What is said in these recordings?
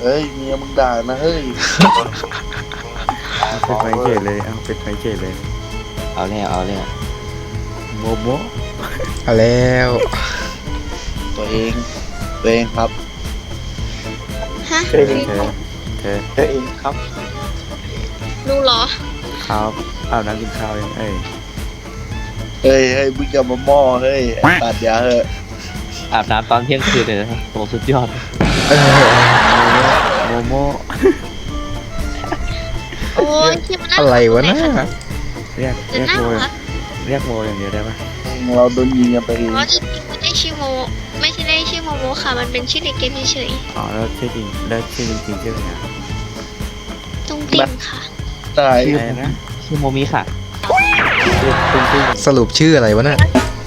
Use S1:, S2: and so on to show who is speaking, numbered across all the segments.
S1: เฮ้ยเมียมึงด่านะเฮ้ย
S2: เป็นไฟเฉยเลยเอาเป็นไฟเฉยเลย
S3: เอาแล้ว
S2: โมโม
S4: เอาแล้ว
S1: ตัวเองครับ
S5: ฮะ
S2: เธอ
S3: ตัวเองครับ
S5: รู้เหรอ
S2: ข้าวอาบน้ำกินข้าวยังเอ้ย
S1: เฮ้ยมึงอย่ามาหม้อเฮ้ยตัดยาเฮ้ย
S3: อาบน้ำตอนเที่ยงคืนเลยนะโหสุดยอด
S2: โมโม
S5: โอ้ยที่มันน่า
S4: อะไรวะน่ะ
S2: เรียก
S5: จะน่า
S2: โม
S5: รัก
S2: เรียกโมอย่างเดียวได้ปะ
S1: เราโดนยิงกันไปเอง
S5: เพราะจริงๆไม่ได้ชื่อโมไม่ใช่ได้ชื่อโมโมค่ะ มันเป็นชื่อในเกมเฉย
S2: อ๋อแล้วชื่อจริงแล้วชื่อจริงชื่ออะไรนะ
S5: ๆตุ้งติ่งค่ะ
S1: ตาย
S2: อะไรนะ
S3: ชื่อโมมิค่ะ
S2: ชื่อตุ้งติ้ง
S4: สรุปชื่ออะไรวะน่ะ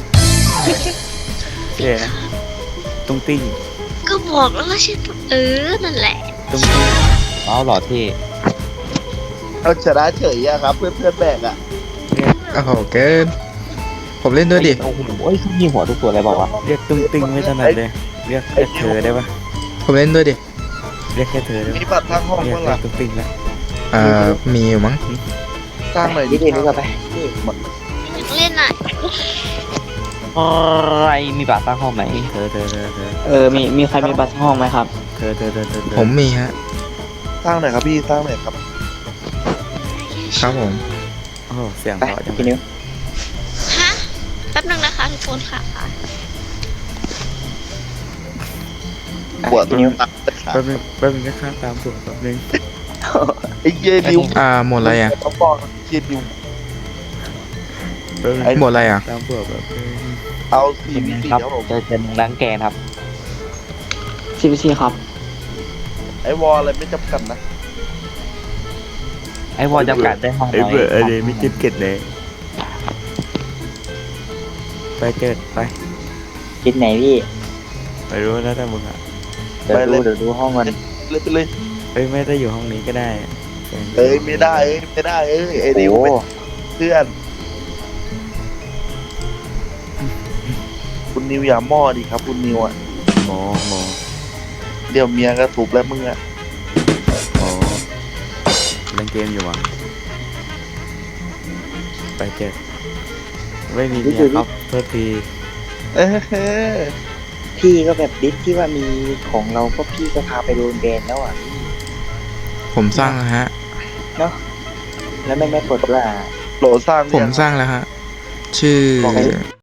S2: ชื่ออะไรนะตุ้งติ้ง
S5: ก็บอกแล้วว่าชื่อนั่นแหละ
S2: ตุ้งติ้ง
S3: เอาหล่อที่
S1: เราชนะเฉยอะครับเพื่อนแบกอะ
S2: เรียก
S4: โอ้โหเกิน ผมเล่นด้วยดิ
S3: โอ้โหยิงหัวทุกตัวเลยบอกว่า
S2: เรียกตุ้งติ้งไม่ถนัดเลยเรียกเธอได้ปะ
S4: ผมเล่นด้วยดิ
S2: เรียกแค่เธอได้ปะ
S1: มีบัตรทางห้อง
S2: เรียก
S1: เมื่อ
S2: เรี
S1: ไห
S2: ย
S1: ร่
S2: กตุ้งติ้งแล้ว
S4: มีอยู่มั้ง
S1: สร้างหน่อย
S3: นี่
S1: ดิ
S3: เองก็ไป
S5: อยากเล่นอ่ะ
S3: อะไรมีบัตรตั้งห้องไหม
S2: เธอ
S3: มีใครมีบัตรห้องไหมครับ
S2: เธอ
S4: ผมมีฮะ
S1: สร้างหน่อยครับพี่สร้างหน่อยครับ
S4: ครับผม
S2: โอ้โหเสียง
S3: ไป
S2: เพราะจัง
S3: พี่นิ้ว
S5: ฮะ แป๊บนึงนะคะทุกคนค่ะ
S1: ปวด
S3: พี่นิ้ว
S2: แป๊บนึงนะข้าตามตัวแป๊บนึง
S1: ไอ้เหี้ยนิว
S4: หมดอะไรอ่ะ
S1: เขาบอกเหี้ยนิว
S2: แป๊บนึง
S4: หมดอะไรอ่ะ
S2: ตามตัวแบบนึง
S1: เอา4v4
S3: ครับ
S1: ครับผม
S3: เจอล้างแกนครับCPC ครับ
S1: ไอ้วอลอะไรไม่จำกัดนะ
S3: ไอ้วอลจำกัดได้ห้อง
S2: ไอ้เบื่อไอ้เดยไม่จิ้มเก็ดเลยไปเจิดไป
S3: คิดไหนพี่
S2: ไปรู้แล้วแต่มึงอ่ะ
S3: เดี๋ยวดูห้องมัน
S1: เลยไปเลย
S2: เอ้ยไม่ได้อยู่ห้องนี้ก็ได้
S1: เอ้ยไม่ได้ไอ้นิวเป็นเพื่อน คุณนิวอย่าหม้อดิครับ คุณนิวอ่ะ
S2: โม
S1: เดี๋ยวเมียก็ถูกแล้วมึงอ่ะ
S2: โอ้เล่นเกมอยู่อ่ะไปเจิดไม่มีเมียครับโทษที
S1: เออ
S6: พี่ก็แบบดิสที่ว่ามีของเราก็พี่ก็พาไปโดนแบนแล้วอ่ะ
S4: ผมสร้างแล้วฮะ
S6: แล้วไม่กดว่า
S1: โหลสร้าง
S4: ผมสร้างแล้วฮะ ชื่อ